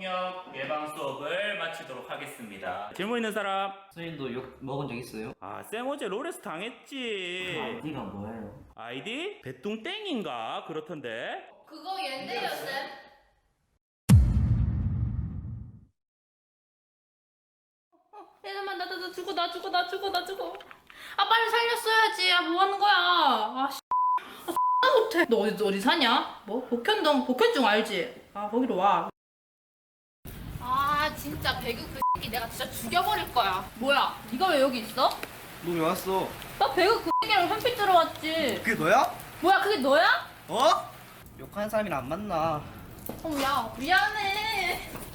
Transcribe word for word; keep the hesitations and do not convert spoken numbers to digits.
폭력 예방 수업을 마치도록 하겠습니다. 질문 있는 사람? 선생님도 욕 먹은 적 있어요? 아, 쌤 어제 롤에서 당했지. 아이디가 뭐예요? 아이디? 배뚱땡인가? 그렇던데. 그거 옌데요, 쌤? 얘들만 나, 나, 나 죽어, 나 죽어, 나 죽어, 나 죽어. 아, 빨리 살렸어야지. 아, 뭐 하는 거야? 아, 씨. 아, 못해. 너 어디, 어디 사냐? 뭐? 복현동, 복현중 알지? 아, 거기로 와. 아, 진짜 배그 그 새끼 내가 진짜 죽여버릴 거야. 뭐야? 네가 왜 여기 있어? 너 왜 왔어? 나 배그 그 새끼랑 현피 들어왔지. 그게 너야? 뭐야, 그게 너야? 어? 욕하는 사람이랑 안 만나. 어, 야, 미안해.